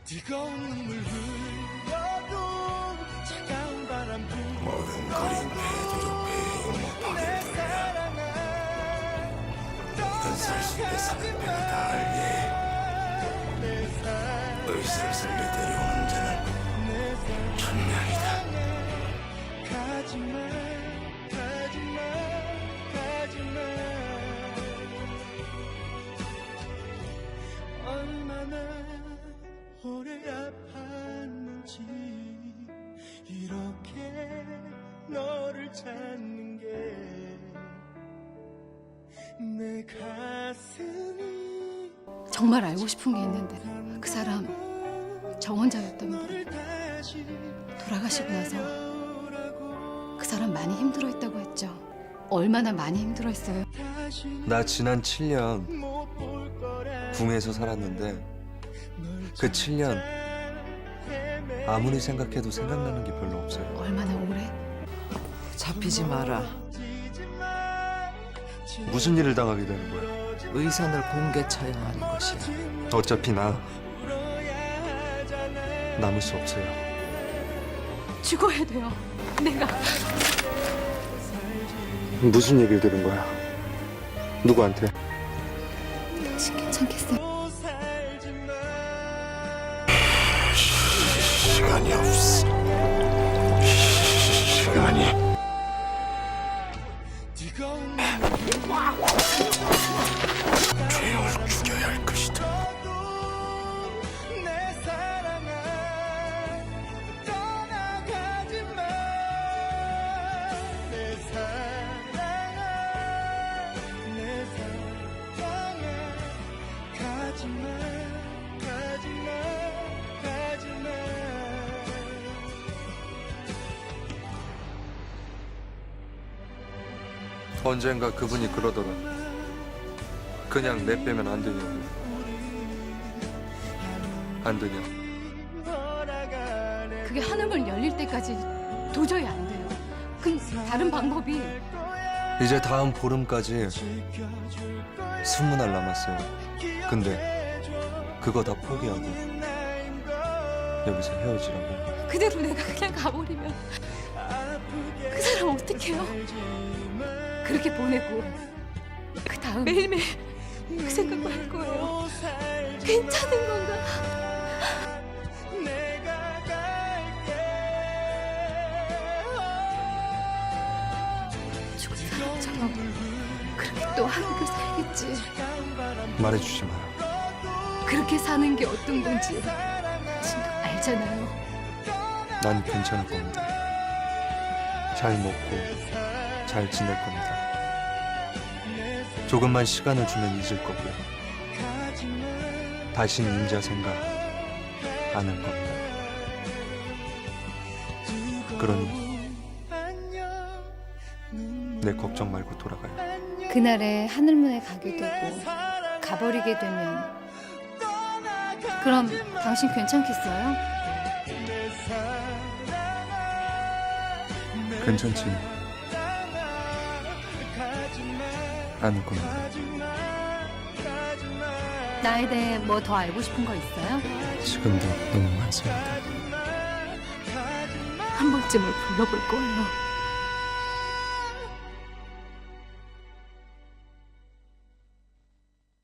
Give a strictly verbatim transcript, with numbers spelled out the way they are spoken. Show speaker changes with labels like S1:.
S1: 모든 거린 배도로 배의 목표를 돌려 모든 살수에 사는 배가 다 알게 의사를 살려 데려오는 자는 천명이다.
S2: 오래 아팠는지 이렇게 너를 찾는 게 내 가슴이
S3: 정말 알고 싶은 게 있는데 그 사람 정원자였던 분 돌아가시고 나서 그 사람 많이 힘들어했다고 했죠. 얼마나 많이 힘들어했어요.
S4: 나 지난 칠 년 궁에서 살았는데 그 칠 년 아무리 생각해도 생각나는 게 별로 없어요.
S3: 얼마나 오래?
S5: 잡히지 마라.
S4: 무슨 일을 당하게 되는 거야?
S5: 의선을 공개 처형하는 것이야.
S4: 어차피 나 남을 수 없어요.
S3: 죽어야 돼요. 내가.
S4: 무슨 얘기를 들은 거야? 누구한테?
S3: 당신 괜찮겠어요?
S1: 시간이 없어. 시간이 죄인을 죽여야 할 것이다.
S2: 내 사랑아 떠나가지 마. 내 사랑아 내 사랑아 가지 마 가지 마 가지 마.
S4: 언젠가 그분이 그러더라. 그냥 내빼면 안 되냐고. 안 되냐?
S3: 그게 한음을 열릴 때까지 도저히 안 돼요. 그 다른 방법이
S4: 이제 다음 보름까지 스무 날 남았어요. 근데 그거 다 포기하고 여기서 헤어지라고.
S3: 그대로 내가 그냥 가버리면 그 사람 어떡해요? 그렇게 보내고 그 다음 매일매일 그 생각만 할 거예요. 괜찮은 건가?
S2: 내가 갈게.
S3: 죽은 사람처럼 그렇게 또 하루를 살겠지.
S4: 말해주지 마.
S3: 그렇게 사는 게 어떤 건지 당신도 알잖아요.
S4: 난 괜찮을 겁니다. 잘 먹고 잘 지낼 겁니다. 조금만 시간을 주면 잊을 거고요. 다신 인자 생각 안 할 겁니다. 그러니 내 걱정 말고 돌아가요.
S3: 그날에 하늘문에 가게 되고 가버리게 되면 그럼 당신 괜찮겠어요?
S4: 괜찮지 않을 겁니다.
S3: 나에 대해 뭐 더 알고 싶은 거 있어요?
S4: 지금도 너무 많습니다.
S3: 한 번쯤은 불러볼 거예요.